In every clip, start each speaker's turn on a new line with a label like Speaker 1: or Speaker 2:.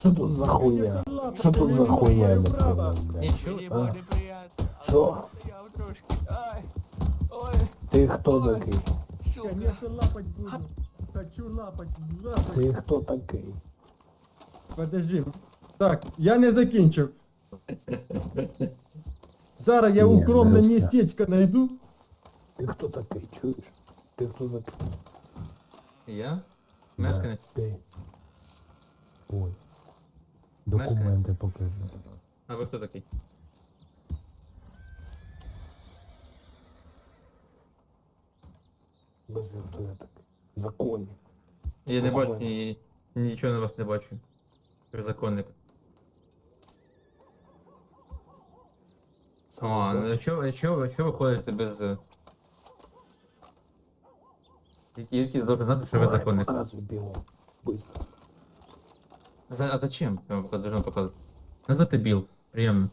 Speaker 1: Що тут за хуйня? Що тут за хуйня, я не понял, блядь?
Speaker 2: Нічого.
Speaker 1: А?
Speaker 2: неприятно.
Speaker 1: Що?
Speaker 2: Я трошки. Ай. Ой.
Speaker 1: Ти хто
Speaker 2: Ой.
Speaker 1: такий?
Speaker 2: Сука.
Speaker 3: Конечно, лапать буду. Хочу лапать, лапать.
Speaker 1: Ти хто такий?
Speaker 3: Подожди. Так, я не закінчив. Зараз я
Speaker 1: Ні,
Speaker 3: укромне
Speaker 1: не
Speaker 3: містечко знайду.
Speaker 1: Ти хто такий, чуєш? Ти хто такий?
Speaker 2: Я?
Speaker 1: Да,
Speaker 2: Мешканець?
Speaker 1: ти. Ой. Документи покажи.
Speaker 2: А ви хто такий?
Speaker 1: Без хто я такий. Законник.
Speaker 2: Я не бачу,
Speaker 1: Документи.
Speaker 2: нічого на вас не бачу. Ви законник. А, ну чого ви ходите без... Які должны знати, що ви
Speaker 1: Давай,
Speaker 2: законник?
Speaker 1: показуй бігом. Быстро.
Speaker 2: А зачем? Я вам должен показувати. Назвати Біл. Приємно.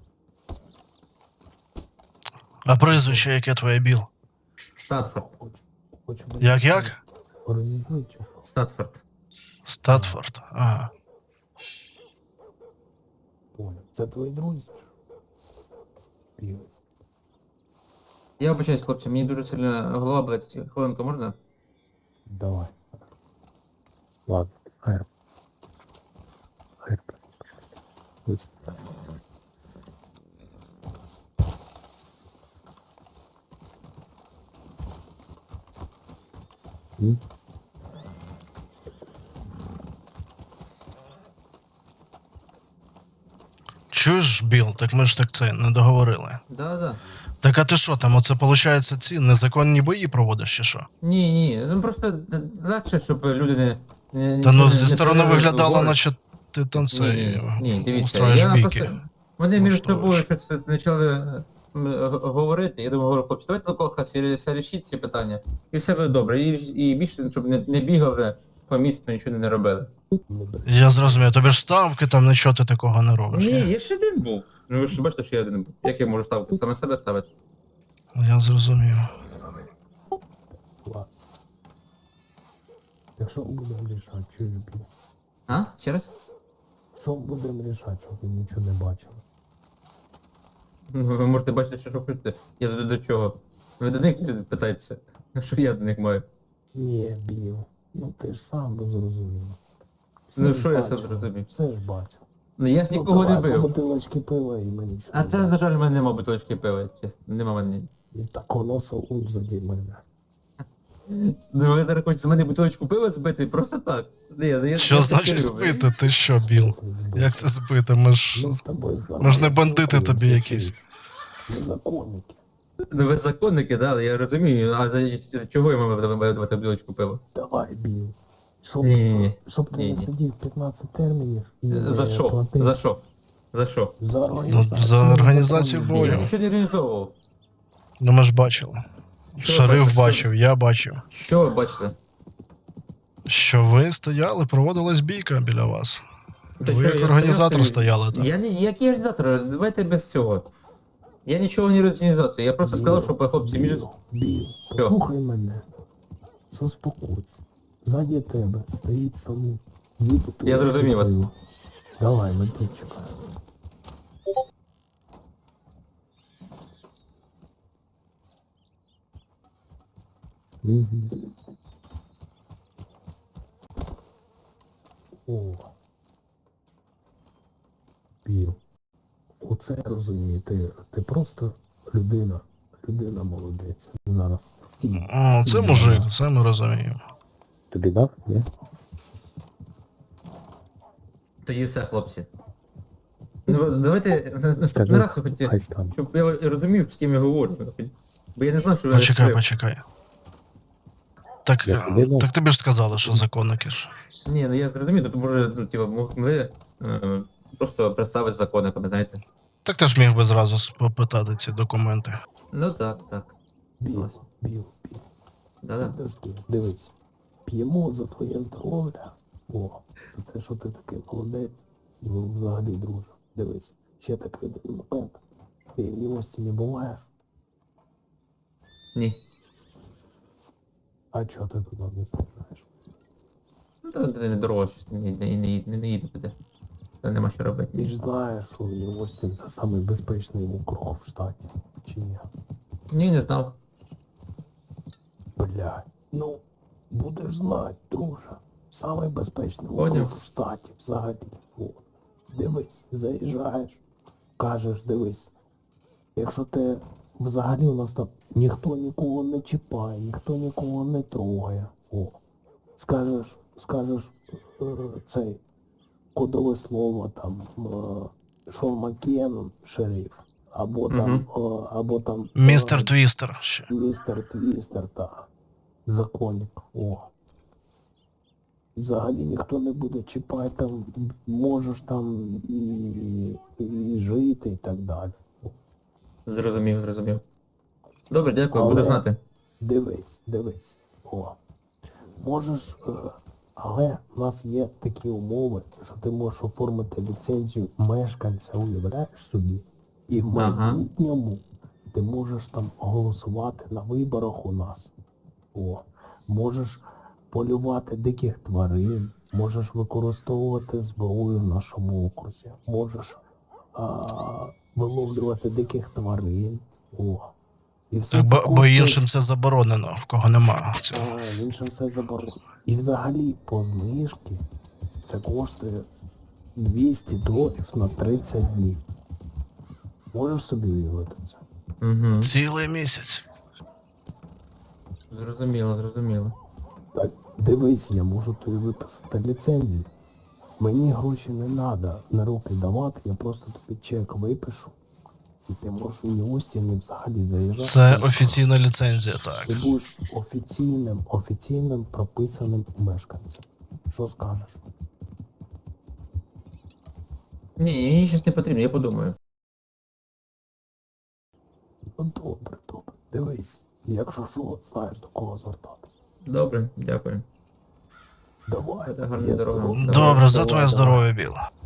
Speaker 4: А прізвище яке твоє Біл?
Speaker 2: Статфорд.
Speaker 1: Хочу
Speaker 4: Як?
Speaker 1: Розізни чи що?
Speaker 2: Статфорд.
Speaker 4: Статфорд. Ага.
Speaker 1: Понял. Це твої друзі? чи що? Біл.
Speaker 2: Я вибачаюсь, хлопці, мені дуже сильно голова болить. Хвилинку можна?
Speaker 1: Давай. Ладно, хайр. Хайр. Быстро. М?
Speaker 4: Чуєш, Біл, так ми ж так це не договорили.
Speaker 2: Да.
Speaker 4: Так а ти що там, оце виходить ці незаконні бої проводиш чи що?
Speaker 2: Ні, ну просто легше, щоб люди не...
Speaker 4: Та ну
Speaker 2: не
Speaker 4: зі сторони
Speaker 2: стріляли в
Speaker 4: виглядало,
Speaker 2: голову.
Speaker 4: наче ти там це
Speaker 2: Ні, дивіться,
Speaker 4: устроїш
Speaker 2: я
Speaker 4: бійки.
Speaker 2: просто... Вони між
Speaker 4: влаштовуєш.
Speaker 2: собою щось почали говорити, я думаю, говорю, хлопці, давайте толкалка все рішіть ці питання, і все буде добре, і більше, щоб не бігали по місту, нічого не робили.
Speaker 4: Я зрозумів, тобі ж ставки там нічого ти такого не робиш.
Speaker 2: Ні,
Speaker 4: Ні?
Speaker 2: я ще один був. Ну ви ж бачите, що я один був. Як я можу ставити? Саме себе ставити?
Speaker 4: Я зрозумів.
Speaker 1: Ладно. Якщо будемо рішати, що я б'ю?
Speaker 2: А? Ще раз?
Speaker 1: Що будемо рішати, щоб ви нічого не бачили?
Speaker 2: Ну, ви можете бачити, що хочете. Я до чого? Ви до них питаєтеся, що я до них маю.
Speaker 1: Ні, Біл. Ну ти ж сам зрозумів.
Speaker 2: Ну,
Speaker 1: ж
Speaker 2: що я
Speaker 1: бачив,
Speaker 2: сам зрозумів?
Speaker 1: Все ж бачив.
Speaker 2: Ну я ж нікого не
Speaker 1: давай, по
Speaker 2: бив.
Speaker 1: бутилочки пива і мені що.
Speaker 2: А це, на жаль, в мене нема бутилочки пива, чесно. Нема в мене.
Speaker 1: І так воно солод заді мене.
Speaker 2: Ну ви зараз хочете з мене бутилочку пива збити? Просто так. Я
Speaker 4: Що
Speaker 2: це
Speaker 4: значить
Speaker 2: люблю.
Speaker 4: збити? Ти що, Біл? Як це збити? Ми ж
Speaker 1: Ми з тобою
Speaker 4: ми ж не бандити тобі якісь.
Speaker 1: Ми законники.
Speaker 2: Ну ви законники, да, я розумію, а за чого я маю давати бутилочку пива?
Speaker 1: Давай, Біл. Щоб,
Speaker 2: Ні.
Speaker 1: щоб ти
Speaker 2: Ні.
Speaker 1: не сидів 15 термінів і
Speaker 2: За
Speaker 1: не
Speaker 2: що?
Speaker 1: платив.
Speaker 2: За що? За що?
Speaker 1: За
Speaker 4: Ну,
Speaker 1: організацію.
Speaker 4: за організацію
Speaker 2: Я
Speaker 4: бою.
Speaker 2: нічого не організовував.
Speaker 4: Ну ми ж бачили.
Speaker 2: Що
Speaker 4: Шериф
Speaker 2: бачите?
Speaker 4: бачив, я бачив.
Speaker 2: Що ви бачите?
Speaker 4: Що ви стояли, проводилась бійка біля вас.
Speaker 2: Та
Speaker 4: Ви
Speaker 2: що,
Speaker 4: як
Speaker 2: я
Speaker 4: організатор
Speaker 2: стояв,
Speaker 4: стояли там.
Speaker 2: Я не, який організатор, давайте без цього. Я нічого не організацію, я просто сказав, що хлопці між...
Speaker 1: Біл, послухай мене. Заспокойся. Ззаді тебе стоїть салон.
Speaker 2: Я зрозумів вас.
Speaker 1: Давай, ми тут чекаємо. Угу. О. Біл. Оце я розумію. Ти просто людина. Людина молодець. Зараз стій.
Speaker 4: О, це мужик, це ми розуміємо.
Speaker 1: Тобі дав? Ні?
Speaker 2: Тоді все, хлопці. Ну, давайте наступний
Speaker 1: Скажи,
Speaker 2: раз, хоч,
Speaker 1: хай стане.
Speaker 2: щоб я розумів, з ким я говорю. Бо я не знав, що ви...
Speaker 4: Почекай. Так,
Speaker 1: Я тобі дав.
Speaker 4: так тобі ж сказали, що законники ж.
Speaker 2: Ні, ну я зрозумів, то може, ну, типу, могли просто представити законниками, знаєте.
Speaker 4: Так ти ж міг би зразу попитати ці документи.
Speaker 2: Ну так.
Speaker 1: Біл, Біл.
Speaker 2: Да-да.
Speaker 1: Подожди, дивись. П'ємо за твоє здоров'я. О, за те, що ти такий молодець. Ну, взагалі, друже. Дивись. Ще такий один момент. Ти в милості не буваєш.
Speaker 2: Ні.
Speaker 1: А чого ти туди не знаєш?
Speaker 2: Ну, та не дорого, щось не їду туди. Це нема що робити.
Speaker 1: Ти ж знаєш, що Нью-Остін це самий безпечний округ в штаті. Чи ні?
Speaker 2: Ні, не знав.
Speaker 1: Блядь. Ну, будеш знати, друже. Самий безпечний
Speaker 2: Поняв.
Speaker 1: округ в штаті взагалі. От. Дивись, заїжджаєш, кажеш, дивись. Якщо ти взагалі у нас там ніхто нікого не чіпає, ніхто нікого не трогає. О. Скажеш цей кодове слово там Шон Маккен, шериф, або там, або там
Speaker 4: Містер Твістер ще.
Speaker 1: Містер Твістер, так. Законник. О. Взагалі ніхто не буде чіпати, там можеш там і жити і так далі.
Speaker 2: Зрозумів, зрозумів. Добре, дякую,
Speaker 1: Але-
Speaker 2: буду знати.
Speaker 1: Дивись. О. Можеш, але в нас є такі умови, що ти можеш оформити ліцензію мешканця, уявляєш собі. І в
Speaker 2: Ага.
Speaker 1: майбутньому ти можеш там голосувати на виборах у нас. О. Можеш полювати диких тварин, можеш використовувати зброю в нашому окрузі, можеш виловлювати диких тварин. О. І все
Speaker 4: Так,
Speaker 1: це
Speaker 4: бо
Speaker 1: коштує-
Speaker 4: іншим це заборонено, в кого нема цього.
Speaker 1: іншим все заборонено. І взагалі по знижці це коштує $200 на 30 днів. Можеш собі уявити це?
Speaker 2: Угу.
Speaker 4: Цілий місяць.
Speaker 2: Зрозуміло, зрозуміло.
Speaker 1: Так, дивись, я можу тобі виписати ліцензію. Мені гроші не треба на руки давати, я просто тобі чек випишу. І ти можеш у Нью-Остін взагалі заїжджати.
Speaker 4: Це офіційна ліцензія, так.
Speaker 1: Ти будеш офіційним прописаним мешканцем. Що скажеш?
Speaker 2: Ні, мені щось не потрібно, я подумаю.
Speaker 1: Ну добре. Дивись, якщо що, знаєш до кого звертатися.
Speaker 2: Добре, дякую.
Speaker 1: Давай.
Speaker 2: Це гарна
Speaker 1: є
Speaker 2: дорога.
Speaker 1: здоров-
Speaker 4: Добре, за
Speaker 1: давай,
Speaker 4: твоє
Speaker 1: давай.
Speaker 4: здоров'я, Біл.